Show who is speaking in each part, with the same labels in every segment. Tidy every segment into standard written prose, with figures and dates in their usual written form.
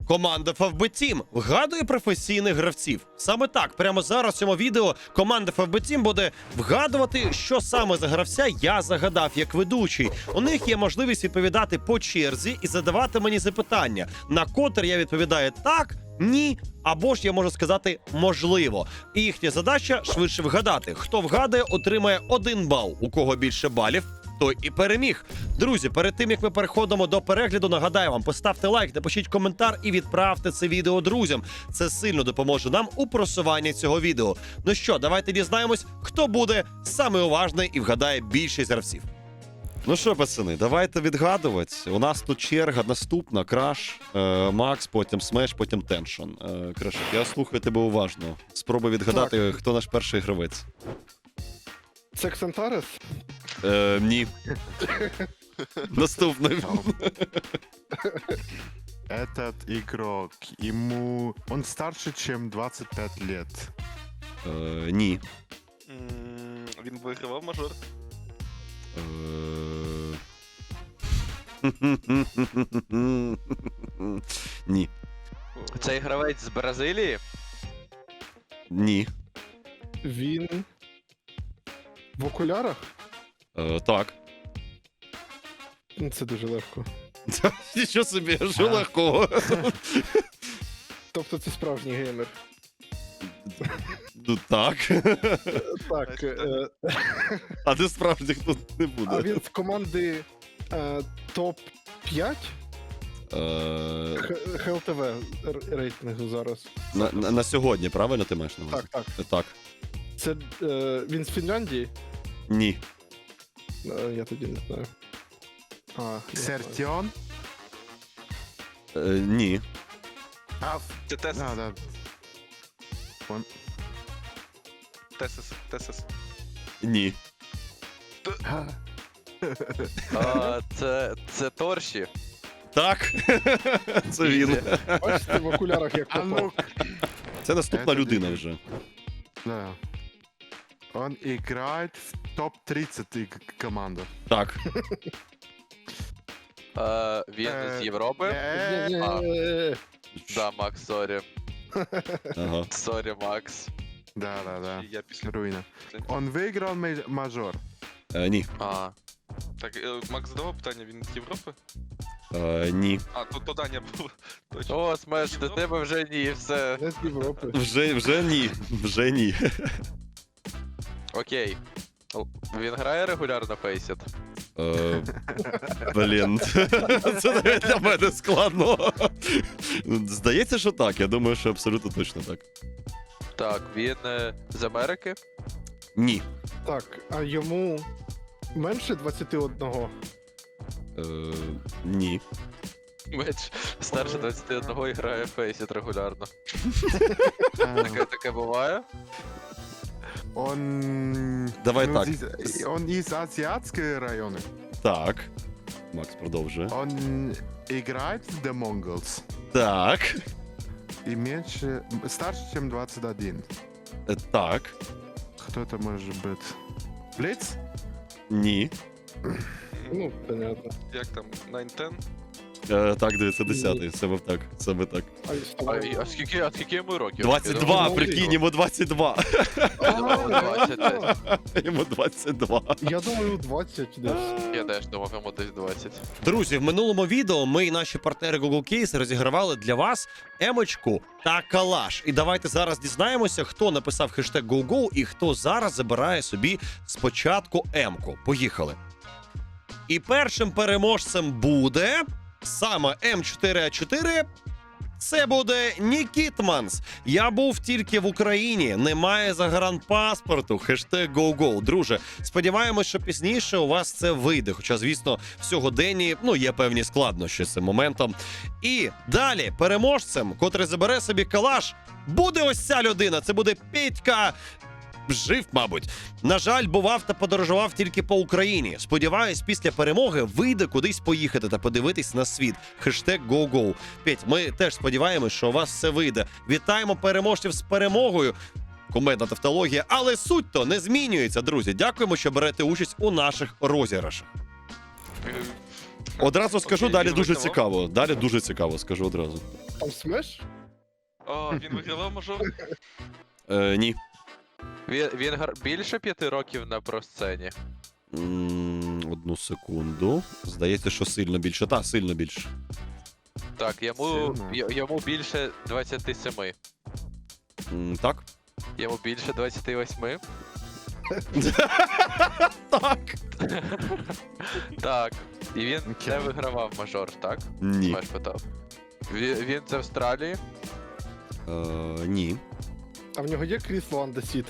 Speaker 1: Команда FFB Team вгадує професійних гравців. Саме так, прямо зараз в цьому відео команда FFB Team буде вгадувати, що саме за гравця я загадав як ведучий. У них є можливість відповідати по черзі і задавати мені запитання, на котре я відповідаю так, ні, або ж я можу сказати можливо. І їхня задача швидше вгадати. Хто вгадає, отримає 1 бал. У кого більше балів, той і переміг. Друзі, перед тим, як ми переходимо до перегляду, нагадаю вам, поставте лайк, напишіть коментар і відправте це відео друзям. Це сильно допоможе нам у просуванні цього відео. Ну що, давайте дізнаємось, хто буде саме уважний і вгадає більшість гравців. Ну що, пацани, давайте відгадувати. У нас тут черга наступна. Краш, Макс, потім Смеш, потім Теншон. Крашик, я слухаю тебе уважно. Спробуй відгадати, хто наш перший гравець.
Speaker 2: Це Ксантарес?
Speaker 1: Ні. Наступний.
Speaker 3: Этот игрок, он старше, чем 25 лет.
Speaker 1: Ні.
Speaker 4: Він вигравав мажор.
Speaker 1: Ні.
Speaker 5: Цей гравець з Бразилії?
Speaker 1: Ні.
Speaker 2: Він в окулярах?
Speaker 1: Так.
Speaker 2: Ну, це дуже легко.
Speaker 1: Що собі, що легкого.
Speaker 2: Тобто це справжній геймер.
Speaker 1: Ну так.
Speaker 2: Так,
Speaker 1: А де справжніх тут не буде.
Speaker 2: а він з команди топ-5 ХЛТВ рейтингу зараз.
Speaker 1: На сьогодні, правильно ти маєш на увазі?
Speaker 2: Так, так.
Speaker 1: Так.
Speaker 2: Це він з Фінляндії?
Speaker 1: Ні.
Speaker 2: Я тоді не знаю. Я знаю.
Speaker 3: Сертион?
Speaker 1: Ні.
Speaker 4: Це Тесис.
Speaker 3: Да.
Speaker 4: Тесис.
Speaker 1: Ні.
Speaker 5: Це Торші.
Speaker 1: Так. Це він.
Speaker 2: Бачите, в окулярах як
Speaker 3: А
Speaker 2: попав.
Speaker 3: ну,
Speaker 1: Це наступна людина вже.
Speaker 3: да. Он играет в топ-30 команду.
Speaker 1: Так.
Speaker 5: Він з Європи?
Speaker 2: Ні-ні-ні.
Speaker 5: Да, Макс, сорі.
Speaker 1: Ага.
Speaker 5: Сорі, Макс.
Speaker 3: Да.
Speaker 4: Я після...
Speaker 3: Руина. Он выиграл мажор.
Speaker 1: Ні.
Speaker 4: Так, Макс задавав питання, він з Європи?
Speaker 1: Ні.
Speaker 4: А, то Даня був. Точно.
Speaker 5: О, Смеш, до тебе вже ні, все.
Speaker 2: Не з Європи.
Speaker 1: Вже ні. Вже ні.
Speaker 5: Окей. Він грає регулярно Фейсіт?
Speaker 1: Блін. Це навіть для мене складно. Здається, що так. Я думаю, що абсолютно точно так.
Speaker 5: Так, він з Америки?
Speaker 1: Ні.
Speaker 2: Так, а йому менше 21?
Speaker 1: Ні.
Speaker 5: Меч старше 21 і грає Фейсіт регулярно. Таке буває?
Speaker 3: Он...
Speaker 1: Давай так.
Speaker 3: Он из азиатского района.
Speaker 1: Так. Макс продовжує.
Speaker 3: Он играет в The Mongols.
Speaker 1: Так.
Speaker 3: И меньше... Старше, чем 21.
Speaker 1: Так.
Speaker 3: Кто это может быть? Блиц?
Speaker 1: Ні.
Speaker 2: Ну, понятно.
Speaker 4: Як там, 9-10?
Speaker 1: Так, дивіться, 10-й. Саме так.
Speaker 5: А скільки йому років?
Speaker 1: 22, прикинь, йому 22. Йому 22.
Speaker 2: Я думаю, 20 десь.
Speaker 5: Я теж думав, йому десь 20.
Speaker 1: Друзі, в минулому відео ми і наші партнери Google Case розігравали для вас емочку та калаш. І давайте зараз дізнаємося, хто написав хештег GoGo і хто зараз забирає собі спочатку емку. Поїхали. І першим переможцем буде саме М4А4. Це буде Нікітманс. Я був тільки в Україні, немає загранпаспорту. Хештег GoGo. Друже, сподіваємось, що пізніше у вас це вийде. Хоча, звісно, в сьогоденні є певні складнощі з цим моментом. І далі переможцем, котрий забере собі калаш, буде ось ця людина. Це буде Петька. Жив, мабуть. На жаль, бував та подорожував тільки по Україні. Сподіваюсь, після перемоги вийде кудись поїхати та подивитись на світ. Хештег GoGo. Петь, ми теж сподіваємось, що у вас все вийде. Вітаємо переможців з перемогою. Кумедна тавтологія, але суть-то не змінюється, друзі. Дякуємо, що берете участь у наших розіграшах. Одразу скажу,
Speaker 4: Окей,
Speaker 1: далі
Speaker 4: він
Speaker 1: дуже
Speaker 4: вигравав?
Speaker 1: цікаво. Далі дуже цікаво, скажу одразу.
Speaker 2: Там смеш?
Speaker 4: О, він вигравав мажор?
Speaker 1: Ні.
Speaker 5: Він більше 5 років на просцені.
Speaker 1: Одну секунду. Здається, що сильно більше. Та, сильно більше.
Speaker 5: Так,
Speaker 3: Сильно.
Speaker 5: йому більше 27.
Speaker 1: Так?
Speaker 5: Йому більше 28.
Speaker 1: Так.
Speaker 5: Так. І він
Speaker 3: Окей.
Speaker 5: не вигравав мажор, так?
Speaker 1: Ні.
Speaker 5: Маш питав. Він з Австралії.
Speaker 1: Ні.
Speaker 2: А в нього є крісло андесіт?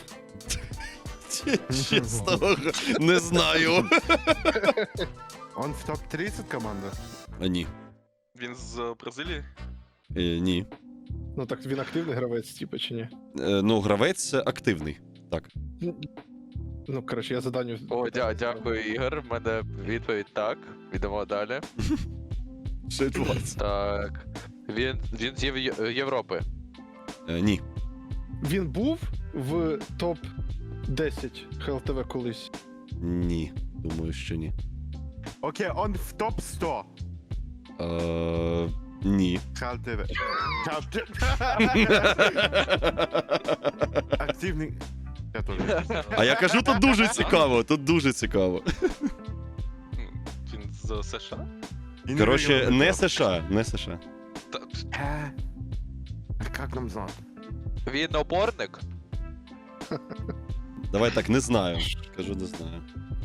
Speaker 1: Чесно, не знаю.
Speaker 3: Он в топ-30 команда?
Speaker 1: Ні.
Speaker 4: Він з Бразилії?
Speaker 1: Ні.
Speaker 2: Ну так він активний гравець, типу, чи ні?
Speaker 1: Ну, гравець активний. Так.
Speaker 2: Ну, коротше, я заданню.
Speaker 5: О, дякую, Ігор. В мене відповідь так. Йдемо далі.
Speaker 1: Що відбувається?
Speaker 5: Так. Він з Європи.
Speaker 1: Ні.
Speaker 2: Він був в топ-10 ХЛТВ колись.
Speaker 1: Ні. Думаю, що ні.
Speaker 3: Окей, он в топ-100.
Speaker 1: Ні.
Speaker 3: ХЛТВ. Активний. Я теж.
Speaker 1: А я кажу, тут дуже цікаво, тут дуже цікаво.
Speaker 4: Він з США?
Speaker 3: І не
Speaker 1: Коротше,
Speaker 3: виграв
Speaker 1: не
Speaker 3: мажор.
Speaker 1: США, не США.
Speaker 4: Та,
Speaker 3: А як нам знати?
Speaker 5: Він опорник.
Speaker 1: Давай так, не знаю. Кажу, не знаю.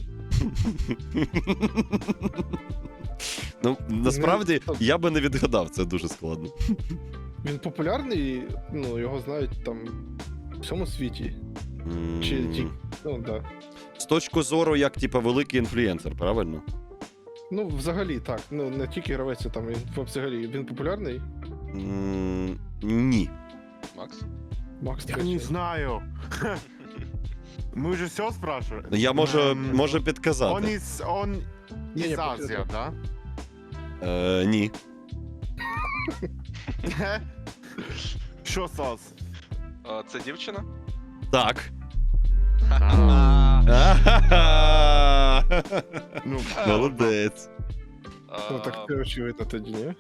Speaker 1: Ну, насправді, я би не відгадав, це дуже складно.
Speaker 2: Він популярний, ну, його знають там в всьому світі. Чи ті. Ну, да.
Speaker 1: З точки зору, як, типа, великий інфлюенсер, правильно?
Speaker 2: Ну, взагалі, так. Ну, не тільки гравець, там він взагалі. Він популярний.
Speaker 1: Ні.
Speaker 4: Макс?
Speaker 2: Макс
Speaker 3: Я не знаю. Мы уже все спрашивали?
Speaker 1: Я можу підказати.
Speaker 3: Он
Speaker 2: Не-не,
Speaker 3: из Азии, да?
Speaker 1: Ні.
Speaker 3: Що сас?
Speaker 4: А, це дівчина?
Speaker 1: Так.
Speaker 3: Ну,
Speaker 1: Молодець.
Speaker 2: Ну, так це очевидно тоді, ні?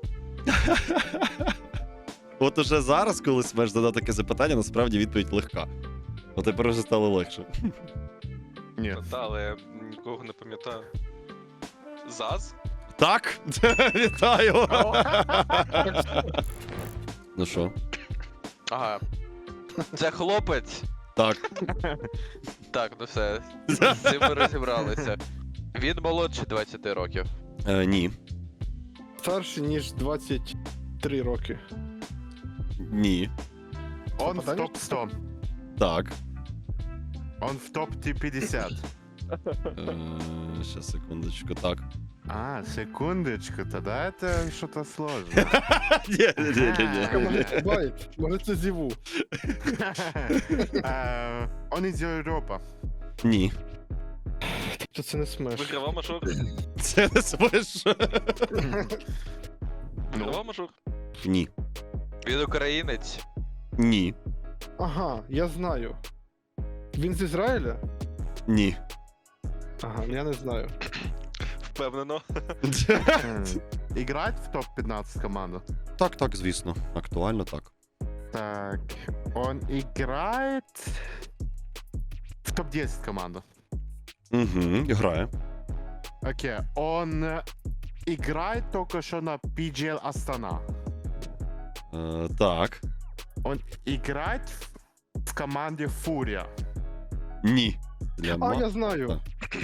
Speaker 1: От уже зараз, коли смеш задати таке запитання, насправді відповідь легка. От тепер вже стало легше.
Speaker 3: ні.
Speaker 4: Та, але я нікого не пам'ятаю. ЗАЗ?
Speaker 1: Так, вітаю. Ну що?
Speaker 5: Ага. Це хлопець.
Speaker 1: Так.
Speaker 5: Так, ну все. З цим ми розібралися. Він молодший 20 років.
Speaker 1: Ні.
Speaker 2: Старший, ніж 23 роки.
Speaker 1: Ні.
Speaker 3: Он в
Speaker 2: Попадання?
Speaker 3: топ-100.
Speaker 1: Так.
Speaker 3: Он в топ-50.
Speaker 1: Щас, секундочку, так.
Speaker 3: А, секундочку, тогда это что-то сложно.
Speaker 1: Ні.
Speaker 2: Може це байт, може це зіву.
Speaker 3: Он из Европы.
Speaker 1: Ні.
Speaker 2: Тобто це не смеш.
Speaker 4: Вигравав мажор?
Speaker 1: Це не смеш.
Speaker 4: Вигравав мажор?
Speaker 1: Ні.
Speaker 5: Він українець.
Speaker 1: Ні.
Speaker 2: Ага, я знаю. Він з Ізраїля?
Speaker 1: Ні.
Speaker 2: Ага, я не знаю.
Speaker 4: Впевнено.
Speaker 3: Играть в топ-15 команду?
Speaker 1: Так, так, звісно. Актуально так.
Speaker 3: Так, он играет в топ-10 команду.
Speaker 1: Угу, грає.
Speaker 3: Окей, он играет только что на PGL Астана.
Speaker 1: Так.
Speaker 3: Он играет в команде Фурия.
Speaker 1: Ні. Для
Speaker 2: А,
Speaker 1: ма...
Speaker 2: я знаю.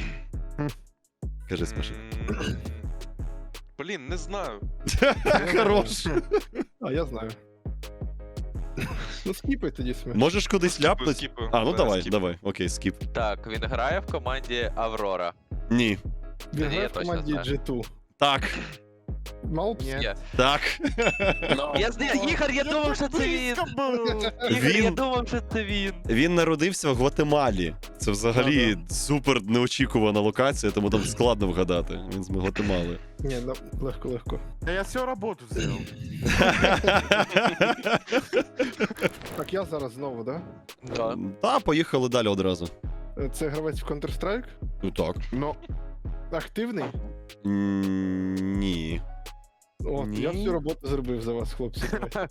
Speaker 1: Кажи, скажи.
Speaker 4: Блін, не знаю.
Speaker 1: Хорош.
Speaker 2: А, я знаю. Ну, скіпай тоді смеш.
Speaker 1: Можеш кудись ляпнути?
Speaker 4: Скіпаю.
Speaker 1: А, ну
Speaker 4: Да,
Speaker 1: давай,
Speaker 4: скіп.
Speaker 1: давай. Окей, скіп.
Speaker 5: Так, він грає в команді Аврора.
Speaker 1: Ні.
Speaker 2: Він
Speaker 5: Ні,
Speaker 2: грає
Speaker 5: я
Speaker 2: в
Speaker 5: точно
Speaker 2: команді
Speaker 5: знаю.
Speaker 2: G2.
Speaker 1: Так.
Speaker 2: Малпс?
Speaker 3: Нет.
Speaker 5: Є.
Speaker 1: Так.
Speaker 5: Я знаю, Ігор, я думав, що це він. Ігор, я
Speaker 1: Він-
Speaker 5: думав, що це він.
Speaker 1: Він народився в Гватемалі. Це взагалі супер неочікувана локація, тому там складно вгадати. Він з Гватемали.
Speaker 2: Ні, ну, легко.
Speaker 3: Да я всю работу сделал.
Speaker 2: Так, я зараз знову, да?
Speaker 5: Так.
Speaker 1: Та, поїхали далі одразу.
Speaker 2: Це гравець в Counter-Strike?
Speaker 1: Ну так.
Speaker 3: Но
Speaker 2: Активний?
Speaker 1: Ні.
Speaker 2: От,
Speaker 3: Ні.
Speaker 2: я всю роботу зробив за вас, хлопці.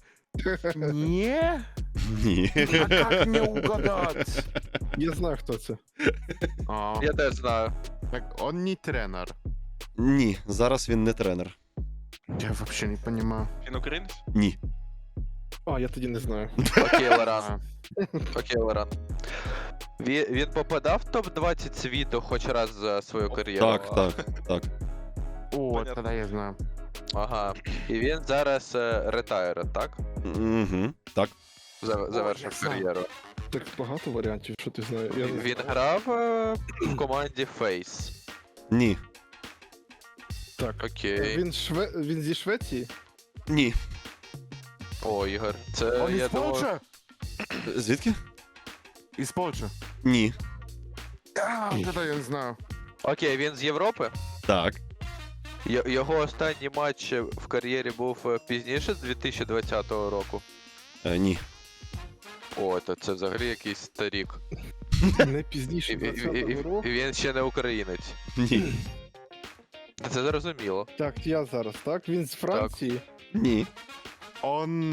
Speaker 3: Не?
Speaker 1: Ні.
Speaker 3: А как мне угадать?
Speaker 2: Я знаю, хто це.
Speaker 3: А,
Speaker 5: Я теж знаю.
Speaker 3: так он не тренер.
Speaker 1: Ні, зараз він не тренер.
Speaker 3: Я вообще не понимаю.
Speaker 4: Він українець?
Speaker 1: Ні.
Speaker 2: А, я тоді не знаю.
Speaker 5: Окей, Лоран.
Speaker 3: А,
Speaker 5: Окей, Лоран. Він попадав в топ-20 світу хоч раз за свою кар'єру?
Speaker 1: Так, так, так.
Speaker 3: О,
Speaker 4: Понятно.
Speaker 3: тогда я знаю.
Speaker 5: Ага. І він зараз ретайре, так?
Speaker 1: Угу. Так.
Speaker 5: Завершив
Speaker 3: знаю.
Speaker 5: кар'єру.
Speaker 2: Так багато варіантів, що ти знаєш. Я не
Speaker 5: Він
Speaker 2: знаю.
Speaker 5: грав в команді Face.
Speaker 1: Ні.
Speaker 2: Так.
Speaker 5: Окей.
Speaker 2: Він зі Швеції?
Speaker 1: Ні.
Speaker 5: О, Ігор. Це
Speaker 3: Он
Speaker 5: я
Speaker 3: из
Speaker 5: думав.
Speaker 3: Польши?
Speaker 1: Звідки?
Speaker 3: Из Польши.
Speaker 1: Ні.
Speaker 3: А, тогда я не знаю.
Speaker 5: Окей, він з Європи.
Speaker 1: Так.
Speaker 5: Його останній матч в кар'єрі був пізніше, з 2020 року.
Speaker 1: Ні.
Speaker 5: О, то це взагалі якийсь старік.
Speaker 2: Не пізніше
Speaker 5: І
Speaker 2: 20-го року.
Speaker 5: він ще не українець.
Speaker 1: Ні.
Speaker 5: Це зрозуміло.
Speaker 2: Так, я зараз, так? Він з Франції.
Speaker 1: Ні.
Speaker 3: Он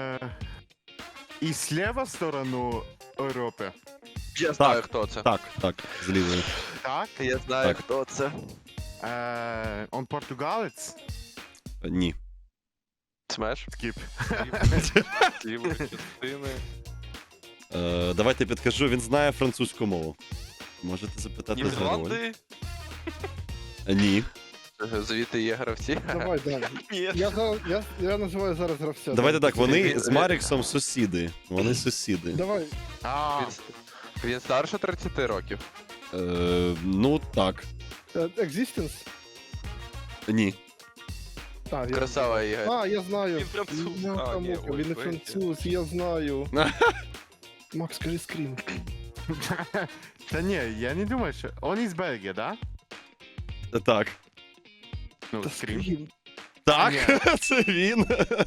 Speaker 3: и слева сторону Европы.
Speaker 5: Я знаю, хто це.
Speaker 1: Так, так. З лівої.
Speaker 3: Так.
Speaker 5: Я знаю,
Speaker 1: Так.
Speaker 5: хто це.
Speaker 3: Он португалец.
Speaker 1: Ні.
Speaker 5: Смеш?
Speaker 3: Скип.
Speaker 4: Лівої частини.
Speaker 1: Давайте підкажу, він знає французьку мову. Можете запитати за роль.
Speaker 4: Нідерланди?
Speaker 1: Ні.
Speaker 5: Звідти є гравці.
Speaker 2: Давай, далі.
Speaker 4: Ні.
Speaker 2: Я називаю зараз гравця.
Speaker 1: Давайте
Speaker 2: Давай.
Speaker 1: так, вони
Speaker 5: Він-
Speaker 1: з Маріксом сусіди. Вони сусіди.
Speaker 2: Давай.
Speaker 3: А,
Speaker 5: Він старше 30 років.
Speaker 1: Ну так.
Speaker 2: Existence?
Speaker 1: Ні.
Speaker 2: А, я...
Speaker 5: Красава Ігор.
Speaker 2: А, я знаю.
Speaker 4: Він француз.
Speaker 2: Я
Speaker 4: А, ні,
Speaker 2: Він
Speaker 4: ой,
Speaker 2: не
Speaker 4: Бельгія.
Speaker 2: француз, я знаю. Макс, скажи скрін.
Speaker 3: да не, я не думаю, что... Он из Бельгии, да?
Speaker 1: Так.
Speaker 3: Ну,
Speaker 2: Та
Speaker 3: скрин.
Speaker 2: скрін.
Speaker 1: Так,
Speaker 3: Ні.
Speaker 1: це він.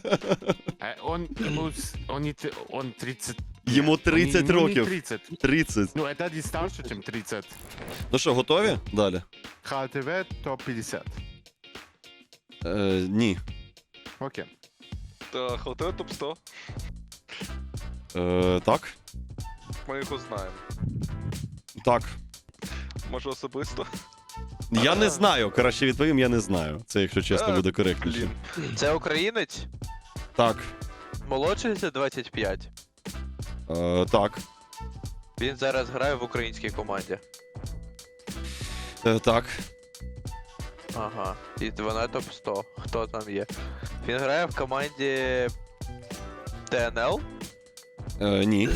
Speaker 3: Он 30...
Speaker 1: Йому
Speaker 3: Нет,
Speaker 1: 30
Speaker 3: он не
Speaker 1: років.
Speaker 3: 30.
Speaker 1: 30.
Speaker 3: Ну, это не старше, чем 30.
Speaker 1: Ну що, готові? Далі?
Speaker 3: ХТВ топ-50.
Speaker 1: Ні.
Speaker 3: Окей.
Speaker 4: Так, ХЛТВ топ-100.
Speaker 1: Так.
Speaker 4: Ми його знаємо.
Speaker 1: Так.
Speaker 4: Може особисто?
Speaker 1: Я не знаю. Краще відповім, я не знаю. Це, якщо чесно, буде коректніше.
Speaker 4: Блін.
Speaker 5: Це українець?
Speaker 1: Так.
Speaker 5: Молодший за 25.
Speaker 1: Так.
Speaker 5: Він зараз грає в українській команді.
Speaker 1: Так.
Speaker 5: Ага. І вона топ-100. Хто там є? Він грає в команді ТНЛ?
Speaker 1: Ні.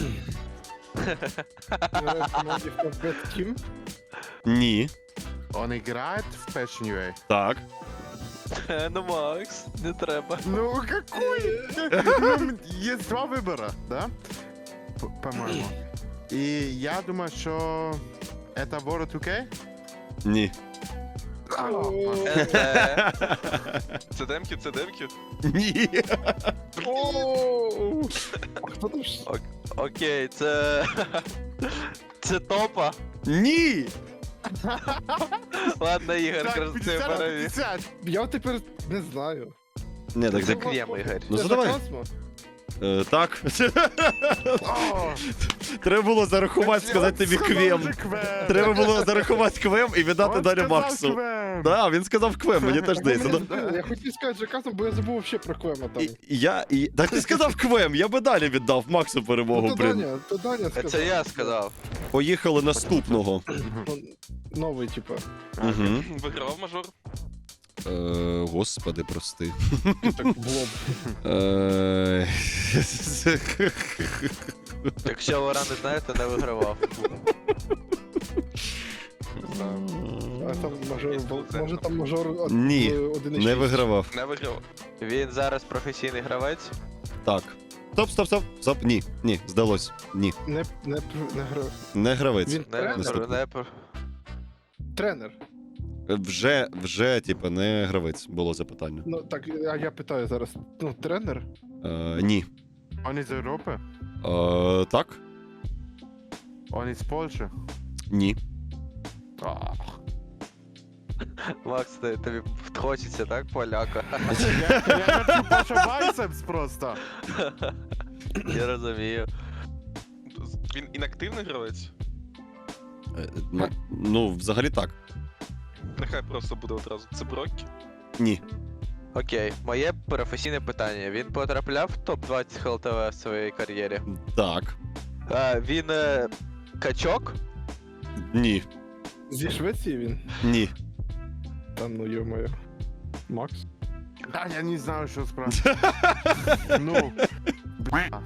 Speaker 2: Команді в Bad Team.
Speaker 1: Ні.
Speaker 3: Он играет в Passion UA.
Speaker 1: Так.
Speaker 5: Ну, Макс, не треба.
Speaker 3: Ну, какой? Ну, есть два выбора, да? По-моему. И я думаю, что это World 2K?
Speaker 1: Ні.
Speaker 4: Це демки, це демки.
Speaker 1: Ні.
Speaker 2: Оу! А хто там ж?
Speaker 5: Окей, це. Це топа.
Speaker 1: Ні.
Speaker 5: Ладно, Ігор,
Speaker 3: Так,
Speaker 5: красиво
Speaker 3: 50 на
Speaker 5: перевів.
Speaker 3: 50.
Speaker 2: Я тепер не знаю.
Speaker 1: Ні, так
Speaker 5: Це
Speaker 1: так.
Speaker 5: Квєм, Ігор.
Speaker 1: Ну
Speaker 2: Це
Speaker 1: задавай.
Speaker 2: Касмо?
Speaker 1: Так.
Speaker 3: О,
Speaker 1: Треба було зарахувати, сказати тобі
Speaker 3: сказав
Speaker 1: квем.
Speaker 3: же Квем.
Speaker 1: Треба було зарахувати квем і віддати
Speaker 3: Он
Speaker 1: далі
Speaker 3: сказал
Speaker 1: Максу.
Speaker 3: Квем.
Speaker 1: Так, він сказав квем, мені теж здається. Ну,
Speaker 2: Я хотів сказати же Касмо, бо я забув вообще про Квема там.
Speaker 1: Так ти сказав квем, я би далі віддав Максу перемогу,
Speaker 2: То
Speaker 1: блін.
Speaker 2: Даня сказав.
Speaker 5: Це я сказав.
Speaker 1: Поїхали наступного.
Speaker 2: Новий, типа.
Speaker 1: Угу.
Speaker 4: Вигравав мажор.
Speaker 1: Господи, прости.
Speaker 2: Так, в лоб.
Speaker 5: Якщо Лора не знає, то не вигравав.
Speaker 2: А там мажор, може там мажор
Speaker 1: Ні,
Speaker 2: 1,6.
Speaker 1: Не вигравав.
Speaker 4: Не вигравав.
Speaker 5: Він зараз професійний гравець.
Speaker 1: Так. Стоп. Ні, здалось. Ні.
Speaker 2: Не гра.
Speaker 1: Не гравець.
Speaker 2: Він тренер?
Speaker 1: Наступний.
Speaker 2: Тренер.
Speaker 1: Вже, типа, не гравець, було запитання.
Speaker 2: Ну так, а я питаю зараз. Ну, тренер?
Speaker 1: Ні.
Speaker 3: Он из Европы?
Speaker 1: Так?
Speaker 3: Он из Польши?
Speaker 1: Ні.
Speaker 3: Ах.
Speaker 5: Макс, тобі хочеться, так, поляка?
Speaker 3: Я хочу Паша байцепс просто.
Speaker 5: Я розумію.
Speaker 4: Він інактивний гравець?
Speaker 1: Ну, взагалі так.
Speaker 4: Нехай просто буде одразу. Це Броккі?
Speaker 1: Ні.
Speaker 5: Окей, моє професійне питання. Він потрапляв в топ-20 ХЛТВ в своїй кар'єрі?
Speaker 1: Так.
Speaker 5: Він качок?
Speaker 1: Ні.
Speaker 2: Зі Швеції він?
Speaker 1: Ні.
Speaker 2: Та ну йо-моє. Макс?
Speaker 3: Да, я не знаю, что спрашивать. Ну, бля.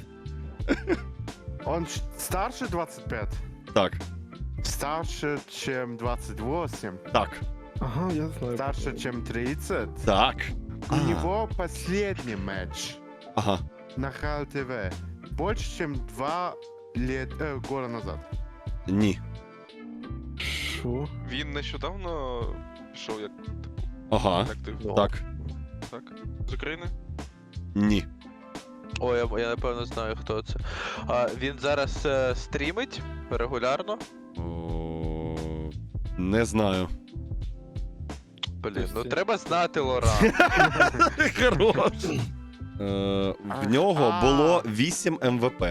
Speaker 3: Он старше 25?
Speaker 1: Так.
Speaker 3: Старше, чем 28?
Speaker 1: Так.
Speaker 2: Ага, я знаю.
Speaker 3: Старше, чем 30?
Speaker 1: Так.
Speaker 3: У него последний матч
Speaker 1: Ага.
Speaker 3: на ХЛТВ больше, чем 2 года назад.
Speaker 1: Ні.
Speaker 2: Що?
Speaker 4: Він нещодавно пішов як
Speaker 1: Ага.
Speaker 4: інактивний.
Speaker 1: Так.
Speaker 4: Так. З України?
Speaker 1: Ні.
Speaker 5: О, я напевно знаю, хто це. Він зараз стрімить регулярно.
Speaker 1: О, не знаю.
Speaker 5: Блін, ну
Speaker 2: Ось.
Speaker 5: треба знати Лора.
Speaker 1: Хорош. В нього було 8 МВП.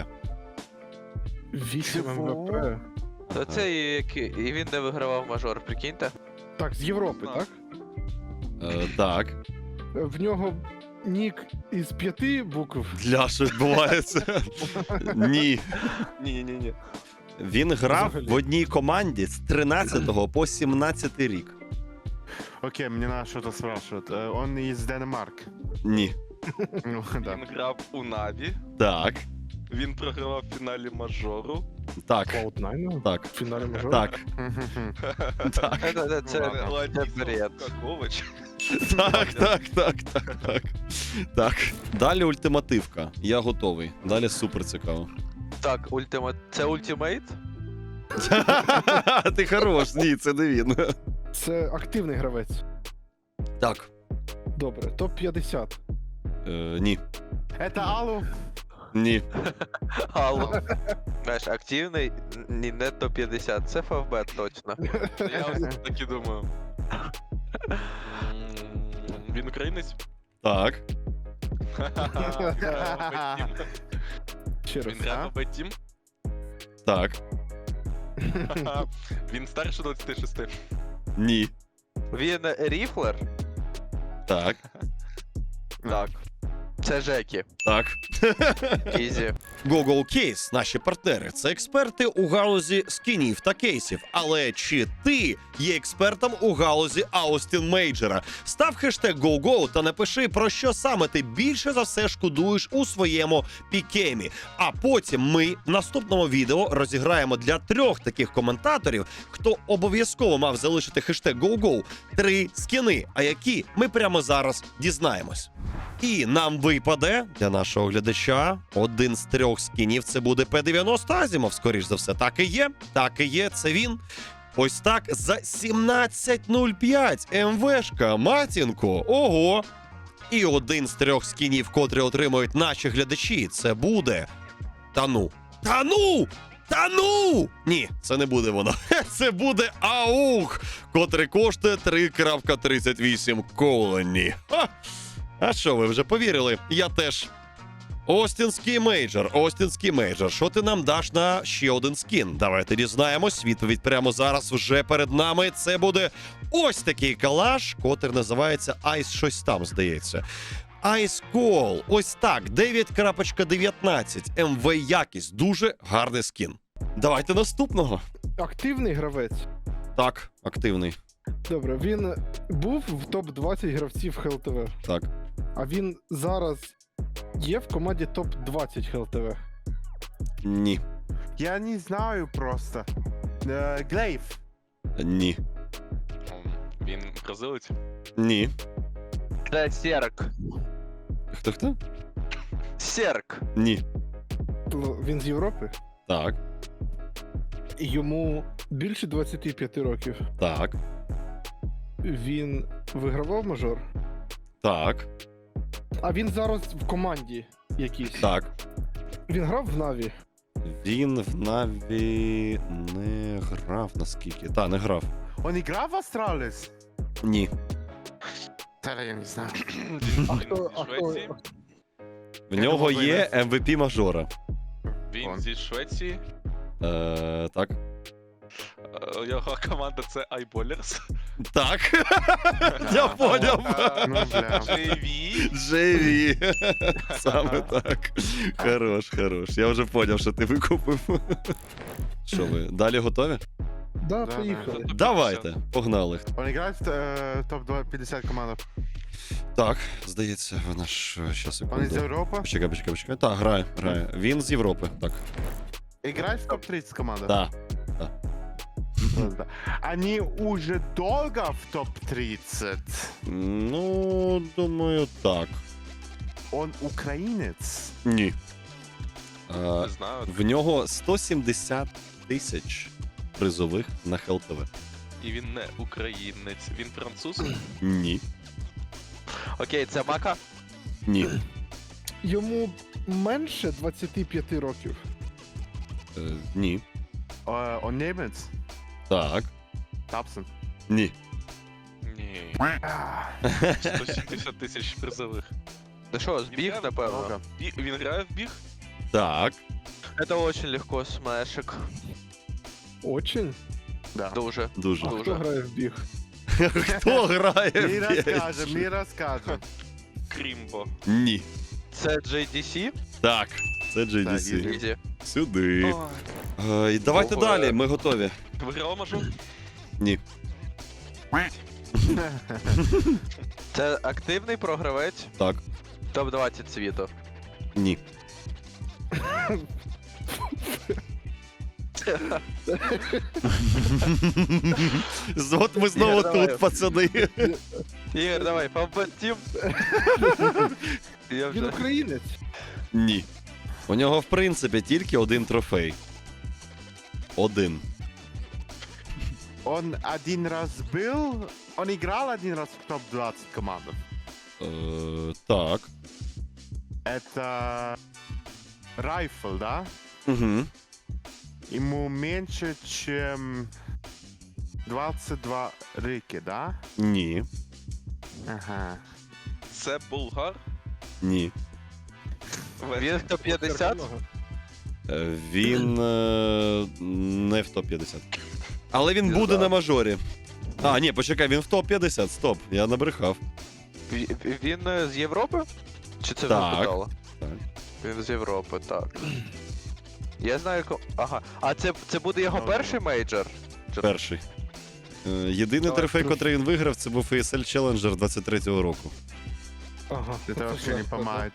Speaker 2: 8
Speaker 3: Чого?
Speaker 2: МВП.
Speaker 5: То це і він не вигравав мажор, прикиньте.
Speaker 2: Так, з Європи,
Speaker 4: Так.
Speaker 2: так?
Speaker 1: Так.
Speaker 2: В нього нік із 5 букв.
Speaker 1: Для що відбувається? Ні.
Speaker 4: Ні.
Speaker 1: Він грав
Speaker 2: Взагалі.
Speaker 1: в одній команді з 13 по 17 рік.
Speaker 3: Окей, мне надо что-то спрашивать. Он из Денмарк.
Speaker 1: Ні.
Speaker 3: Ну, да.
Speaker 4: Він грав у Наві.
Speaker 1: Так.
Speaker 4: Він програвав в фіналі мажору.
Speaker 1: Так.
Speaker 2: Cloud9
Speaker 1: Так.
Speaker 2: в фіналі мажору.
Speaker 1: Так. Так.
Speaker 5: Це бред.
Speaker 4: Какович.
Speaker 1: Так. Так. Далі ультимативка. Я готовий. Далі супер цікаво.
Speaker 5: Так, це ультимейт?
Speaker 1: Ти хорош, ні, це не він.
Speaker 2: Це активний гравець.
Speaker 1: Так.
Speaker 2: Добре, топ-50.
Speaker 1: Ні.
Speaker 3: Это Аллу.
Speaker 1: Ні.
Speaker 5: Алло. Знаєш, активний, ні, не топ-50, це ФФБ точно.
Speaker 4: Я ось так і думаю. Він українець?
Speaker 1: Так.
Speaker 2: Ще раз.
Speaker 4: Він грав в Б-Тім?
Speaker 1: Так.
Speaker 4: Він старше 26.
Speaker 1: Ні.
Speaker 5: Він ріфлер?
Speaker 1: Так.
Speaker 5: Так. Це Жекі.
Speaker 1: Так.
Speaker 5: Ізі.
Speaker 1: Google Case, наші партнери, це експерти у галузі скінів та кейсів. Але чи ти є експертом у галузі Аустін Мейджора? Став хештег GoGo та напиши, про що саме ти більше за все шкодуєш у своєму пікемі. А потім ми в наступному відео розіграємо для 3 таких коментаторів, хто обов'язково мав залишити хештег GoGo, 3 скіни, а які ми прямо зараз дізнаємось. І нам випаде для нашого глядача один з 3 скінів. Це буде P90 Азімов, скоріш за все. Так і є, це він. Ось так за 17.05 МВшка, матінко, ого. І один з 3 скінів, котрі отримують наші глядачі, це буде... Та ну! Ні, це не буде воно. Це буде АУХ, котрий коштує 3.38 колоні. Ха! А що, ви вже повірили? Я теж. Остінський мейджор. Що ти нам даш на ще один скін? Давайте дізнаємось. Відповідь прямо зараз вже перед нами. Це буде ось такий калаш, котрий називається Ice щось там, здається. Ice Call. Ось так. 9.19. МВ якість. Дуже гарний скін. Давайте наступного.
Speaker 2: Активний гравець.
Speaker 1: Так, активний.
Speaker 2: Добре, він був в топ-20 гравців ХЛТВ.
Speaker 1: Так.
Speaker 2: А він зараз є в команді топ-20 ХЛТВ.
Speaker 1: Ні.
Speaker 3: Я не знаю просто. Глейв.
Speaker 1: Ні.
Speaker 4: Він бразилець?
Speaker 1: Ні.
Speaker 5: Це Серк.
Speaker 1: Хто?
Speaker 5: Серк.
Speaker 1: Ні.
Speaker 2: Він з Європи.
Speaker 1: Так.
Speaker 2: І йому більше 25 років.
Speaker 1: Так.
Speaker 2: Він вигравав мажор.
Speaker 1: Так.
Speaker 2: А він зараз в команді якійсь.
Speaker 1: Так.
Speaker 2: Він грав в Наві.
Speaker 1: Він в Наві не грав, наскільки. Так, не грав.
Speaker 3: Он играл в Астралис?
Speaker 1: Ні.
Speaker 3: Да, я не знаю.
Speaker 2: А
Speaker 4: Він
Speaker 2: хто,
Speaker 4: зі Швеції.
Speaker 1: В нього
Speaker 3: думав,
Speaker 1: є MVP мажора.
Speaker 4: Він
Speaker 3: Он.
Speaker 4: зі Швеції.
Speaker 1: Так.
Speaker 4: Його команда це iBallers.
Speaker 1: Так. Я поняв.
Speaker 3: Ну, бля.
Speaker 4: JV.
Speaker 1: JV. Саме так. Хорош, хорош. Я вже поняв, що ти викупив. Що ви, далі готові?
Speaker 2: Да,
Speaker 3: Да,
Speaker 2: поїхали.
Speaker 1: Давайте, погнали.
Speaker 3: Он играет в топ-50 команд.
Speaker 1: Так, здається, вона ж щас
Speaker 3: Он из
Speaker 1: секунду.
Speaker 3: Европы.
Speaker 1: Почекай. Так, грає. Він з Європи, так.
Speaker 3: Играет в топ-30 команд.
Speaker 1: Так.
Speaker 3: Да. Они уже долго в топ-30.
Speaker 1: Ну, думаю, так.
Speaker 3: Он украинец.
Speaker 1: Ні.
Speaker 4: Не знаю.
Speaker 1: В нього 170 тисяч призових на ХЛТВ.
Speaker 4: І він не українець. Він француз.
Speaker 1: Ні.
Speaker 5: Окей, це Мака.
Speaker 1: Ні.
Speaker 2: Йому менше 25 років.
Speaker 1: Ні.
Speaker 3: Он немец.
Speaker 1: Так.
Speaker 3: Тапсон.
Speaker 1: Ні.
Speaker 4: Ні. 170 тисяч призових.
Speaker 5: Ну що, збіг, напевно.
Speaker 3: Много.
Speaker 4: Він грає в біг?
Speaker 1: Так.
Speaker 5: Это очень легко, смешик.
Speaker 2: Очень.
Speaker 3: Да.
Speaker 5: Дуже.
Speaker 1: Дуже.
Speaker 2: А
Speaker 5: Дуже.
Speaker 2: хто грає в біг?
Speaker 1: Хто грає
Speaker 3: Мы
Speaker 1: в Бєч?
Speaker 3: расскажем, мы расскажем.
Speaker 4: Крімбо.
Speaker 1: Ні.
Speaker 5: Це JDC?
Speaker 1: Так. Це
Speaker 3: Так,
Speaker 1: JDC.
Speaker 5: Ізі.
Speaker 1: Сюди. І давайте
Speaker 5: Ого.
Speaker 1: далі, ми готові.
Speaker 4: Виграв мажор?
Speaker 1: Ні.
Speaker 5: Це активний програвець
Speaker 1: Так.
Speaker 5: топ-20 світу.
Speaker 1: Ні. От ми знову
Speaker 5: Ігор, давай.
Speaker 1: тут, пацани.
Speaker 5: Ігор, давай, побатім. Я
Speaker 2: Він
Speaker 5: вже.
Speaker 2: українець.
Speaker 1: Ні. У нього, в принципі, тільки один трофей. Один.
Speaker 3: Он один раз был, он играл один раз в топ-20 командах.
Speaker 1: Так.
Speaker 3: Это Райфл, да?
Speaker 1: Угу.
Speaker 3: Ему меньше, чем 22 рыки, да?
Speaker 1: Ні.
Speaker 3: Ага.
Speaker 4: Це булгар?
Speaker 1: Ні.
Speaker 5: Він в топ-50?
Speaker 1: Він не в топ-50. Але він
Speaker 5: Не
Speaker 1: буде
Speaker 5: знаю.
Speaker 1: на мажорі. А, ні, почекай, він в топ-50, стоп, я набрехав.
Speaker 5: Він з Європи? Чи це
Speaker 1: Так.
Speaker 5: вже питало?
Speaker 1: Так.
Speaker 5: Він з Європи, так. Я знаю, ага. А це буде його
Speaker 3: Добре.
Speaker 5: перший мейджор?
Speaker 1: Перший. Єдиний
Speaker 2: Давай,
Speaker 1: трофей,
Speaker 2: плюс.
Speaker 1: котрий він виграв, це був ESL Challenger 23-го року.
Speaker 2: Ага.
Speaker 3: Это вообще не помогает.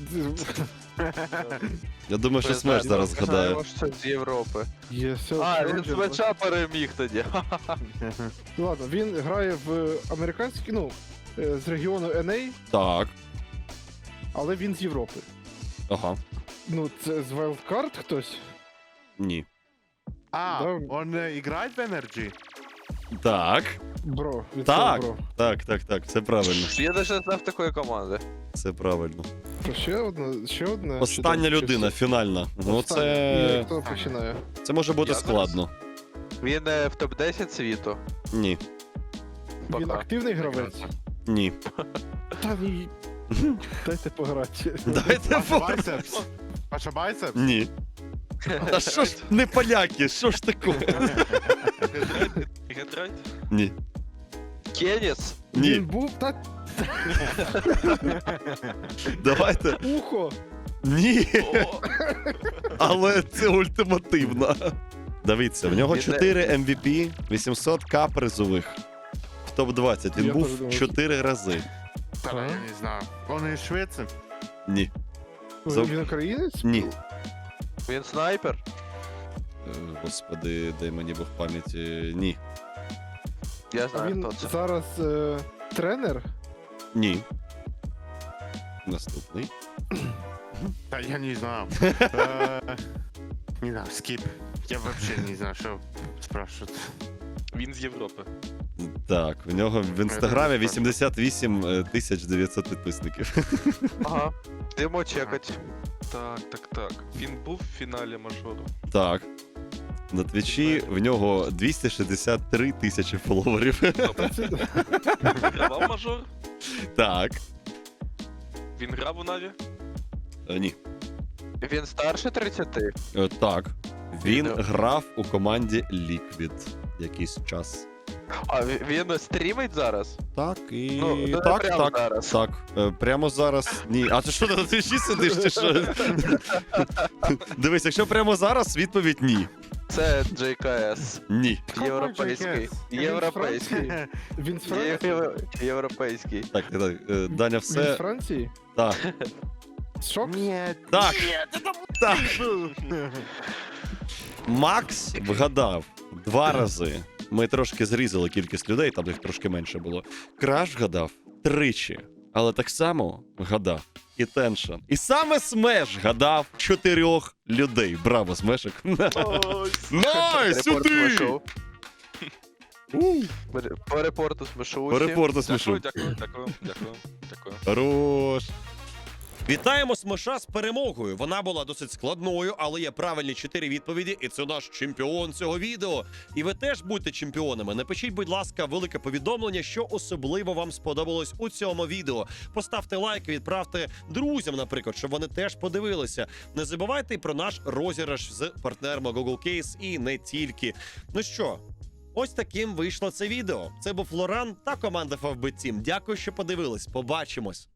Speaker 1: Я думаю, що Смеш зараз згадає.
Speaker 5: Знаємо, що це з Європи.
Speaker 2: Єсел
Speaker 5: А, він
Speaker 2: Челенджер,
Speaker 5: Смеша переміг тоді.
Speaker 2: Ну ладно, він грає в американській, ну, з регіону NA,
Speaker 1: Так.
Speaker 2: але він з Європи.
Speaker 1: Ага.
Speaker 2: Ну, це з Wildcard хтось?
Speaker 1: Ні.
Speaker 3: А,
Speaker 2: Да.
Speaker 3: он играет в Energy?
Speaker 1: Так.
Speaker 2: Бро, від
Speaker 1: Так.
Speaker 2: цього
Speaker 1: Так, це правильно.
Speaker 5: Я навіть не знав такої команди.
Speaker 1: Це правильно.
Speaker 2: бро. Ще одна.
Speaker 1: Остання
Speaker 2: чи
Speaker 1: людина,
Speaker 2: все?
Speaker 1: фінальна. Ну
Speaker 2: Остання.
Speaker 1: це.
Speaker 2: Ні, хто починає?
Speaker 1: Це може бути
Speaker 4: Я зараз?
Speaker 1: складно.
Speaker 5: Він в топ-10 світу.
Speaker 1: Ні.
Speaker 2: Він
Speaker 5: Пока.
Speaker 2: активний гравець?
Speaker 1: Ні.
Speaker 2: Та ні. Дайте пограти.
Speaker 1: Дайте
Speaker 3: Паша
Speaker 1: фото.
Speaker 3: Байсепс? Паша Байсепс?
Speaker 1: Ні. Та що ж не поляки, що ж таке?
Speaker 4: Гетрайт?
Speaker 1: Ні.
Speaker 5: Кеніс?
Speaker 2: Він
Speaker 1: Ні.
Speaker 2: був так
Speaker 1: Давайте.
Speaker 2: ухо.
Speaker 1: Ні.
Speaker 4: О,
Speaker 1: Але це ультимативно. Дивіться, в нього
Speaker 5: Він не-
Speaker 1: 4 MVP, 800к призових. В топ-20. Він
Speaker 2: Я теж
Speaker 1: був
Speaker 2: думав,
Speaker 1: 4 рази.
Speaker 3: Да, я не знаю. Он из Швеции?
Speaker 1: Ні. Зав-
Speaker 2: Він українець?
Speaker 1: Ні.
Speaker 5: Він снайпер?
Speaker 1: Господи, дай мені Бог пам'яті. Ні.
Speaker 5: Я
Speaker 2: А
Speaker 5: знаю,
Speaker 2: він
Speaker 5: хто це.
Speaker 2: зараз тренер?
Speaker 1: Ні. Наступний.
Speaker 3: Да, я не знаю. Не знаю, скип. Я вообще не знаю, что спрашивают.
Speaker 4: він з Європи.
Speaker 1: Так, в нього в інстаграмі 88 900 підписників.
Speaker 5: Ага. Йдемо чекать.
Speaker 4: Так. Він був в фіналі мажору.
Speaker 1: Так. На твічі в нього 263 тисячі фоловерів.
Speaker 4: Гравав мажор?
Speaker 1: Так.
Speaker 4: Він грав у Наві?
Speaker 1: Ні.
Speaker 5: Він старше 30?
Speaker 1: Так. Він
Speaker 5: Ну.
Speaker 1: грав у команді Liquid якийсь час.
Speaker 5: А він стрімить зараз?
Speaker 1: Так, і
Speaker 5: Ну, не
Speaker 1: так,
Speaker 5: прямо
Speaker 1: так,
Speaker 5: зараз.
Speaker 1: так. Прямо зараз. Ні. А ти що ти на твічі сидиш, чи що? Дивись, якщо прямо зараз, відповідь ні.
Speaker 5: Це JKS.
Speaker 1: Ні.
Speaker 5: Європейський. Європейський.
Speaker 2: Він з Франції?
Speaker 5: Європейський.
Speaker 1: Так, Даня,
Speaker 2: Він з
Speaker 1: все.
Speaker 2: Франції?
Speaker 1: Так.
Speaker 2: Шок?
Speaker 3: Нет.
Speaker 1: Так. Так. Макс вгадав 2 рази. Ми трошки зрізали кількість людей, там їх трошки менше було. Краш вгадав 3, але так само вгадав і Теншн. І саме Смеш гадав 4 людей. Браво, Смешик. Найс,
Speaker 5: Репорт
Speaker 1: сюди!
Speaker 5: смешов. По репорту смешу.
Speaker 1: По репорту
Speaker 4: Дякую,
Speaker 1: смішу.
Speaker 4: дякую.
Speaker 1: Хорош. Вітаємо Смеша з перемогою. Вона була досить складною, але є правильні 4 відповіді, і це наш чемпіон цього відео. І ви теж будьте чемпіонами. Напишіть, будь ласка, велике повідомлення, що особливо вам сподобалось у цьому відео. Поставте лайк, відправте друзям, наприклад, щоб вони теж подивилися. Не забувайте і про наш розіграш з партнерами Google Case і не тільки. Ну що, ось таким вийшло це відео. Це був Лоран та команда FFB Team. Дякую, що подивились. Побачимось.